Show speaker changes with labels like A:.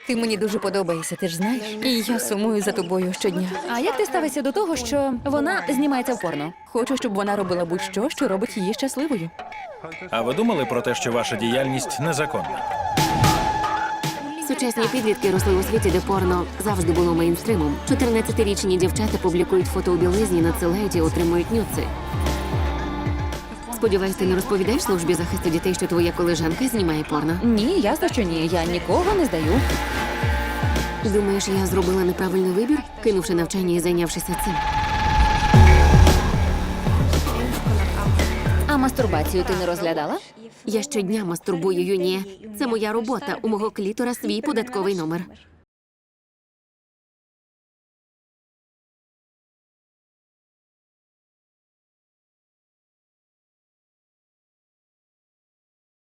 A: Ти мені дуже подобаєшся, ти ж знаєш? І я сумую за тобою щодня.
B: А як ти ставишся до того, що вона знімається в порно?
A: Хочу, щоб вона робила будь-що, що робить її щасливою.
C: А ви думали про те, що ваша діяльність незаконна?
D: Сучасні підлітки росли у світі, де порно завжди було мейнстримом. 14-річні дівчата публікують фото у білизні, надсилають і отримують нюци. Сподіваюсь, ти не розповідаєш службі захисту дітей, що твоя колежанка знімає порно?
B: Ні, ясно, що ні. Я нікого не здаю.
D: Думаєш, я зробила неправильний вибір, кинувши навчання і зайнявшися цим?
B: А мастурбацію ти не розглядала?
D: Я щодня мастурбую, Юніє. Це моя робота. У мого клітора свій податковий номер.